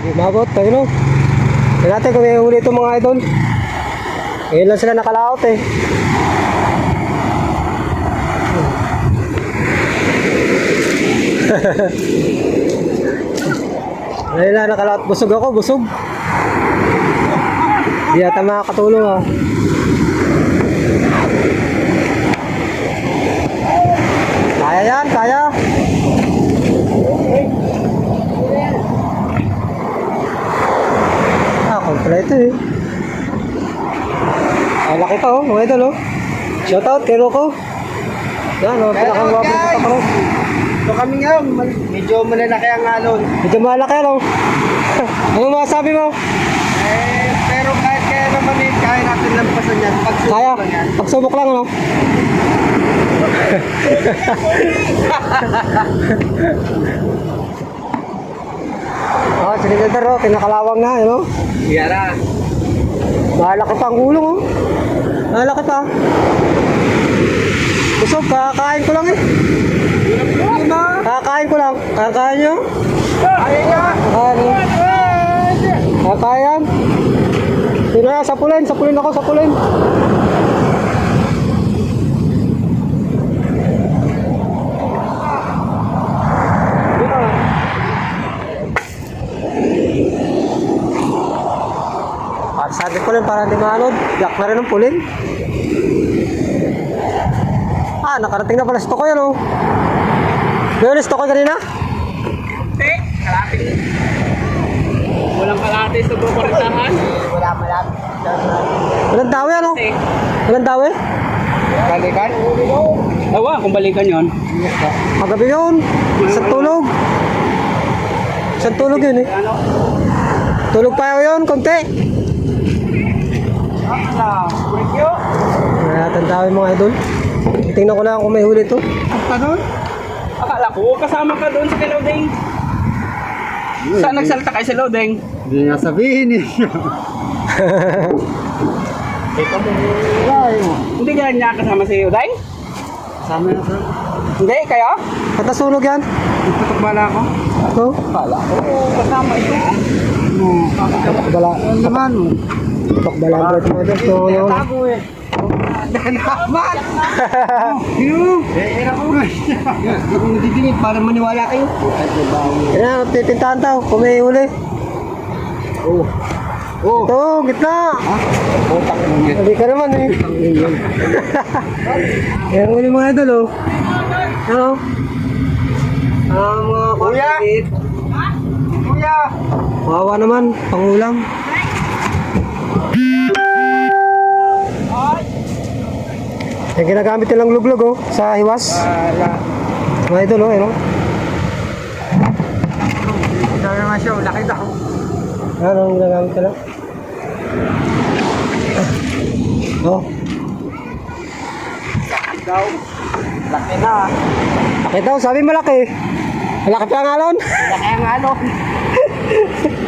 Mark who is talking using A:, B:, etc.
A: Umabot tayo, no? Tignan natin kung may huli itong mga idol. Ngayon lang sila nakalaot eh. Ngayon lang nakalaot. Busog ako, busog. Di yata makakatulong ah. Kaya yan, kaya. Kompleto eh. Ay, laki pa oh, mga idol oh. Shoutout kay Rocco. Yan oh, pinakangwapo sa takro.
B: So kami nga, medyo malalaki ang alon.
A: Medyo malaki ano. Ano masasabi mo?
B: Pero kahit kaya naman eh, kaya natin lampasan yan.
A: Kaya,
B: Pagsubok lang yan.
A: pagsubok lang ano. Oh, sinigilder oh, kinakalawang na, you know?
B: Yara.
A: Malaki pa ang gulong oh. Malaki pa. Busog, kakain ko lang eh. Kakain ko lang. Kakain nyo?
B: Kaya nga.
A: Kakain. Sino na, sapulin ako, sapulin. Sabi ko lang para hindi maanod. Yak na rin ang pulin. Ah, nakarating na pala si Tokoy ano. Ngayon si Tokoy kanina?
B: Hindi, kalapit. Walang kalapit sa bukaritahan. Wala malapit.
A: Walang dawi ano? Walang dawi?
B: Balikan? Awa, kung balikan yon.
A: Kagabi yun. Isang tulog. Isang tulog yun eh.
B: Ano?
A: Tulog pa yun, konti.
B: Thank you.
A: Natanda yung mga idol. Tingnan ko lang kung may huli to.
B: Ka doon? Akala ko, kasama ka doon sa Kilodeng. Saan nagsalta kayo sa Lodeng?
A: Hindi nga sabihin eh.
B: Ito mo. Hindi ka niya kasama si Uday?
A: Kasama na sir.
B: Hindi, kaya?
A: Ba't nasunog yan?
B: Tutok bala ko?
A: Ito?
B: Bala ko. Kasama ito.
A: Bala.
B: Ano naman?
A: Tok bala mga idol. So, ano?
B: Tago eh. Naman! Era ko. Kung didingit para maniwala kayo.
A: Yan, pipintahan tao kung may huli.
B: Oh. Oh.
A: Ito, gitna.
B: Putak mo niya.
A: Hindi ka naman eh. Yan huli mga idol oh. Ano? Mga
B: Kuya!
A: kapatid.
B: Kuya!
A: Kawawa naman, pangulam. Yung ginagamit nilang luglog oh, sa hiwas.
B: Wala.
A: Mga idol oh, ano?
B: Ito naman siya, laki daw.
A: Ano ang ginagamit nila? Oh,
B: Laki daw. Laki na.
A: bakit daw? Sabi malaki. Malaki pa ang alon.
B: Laki ang alon.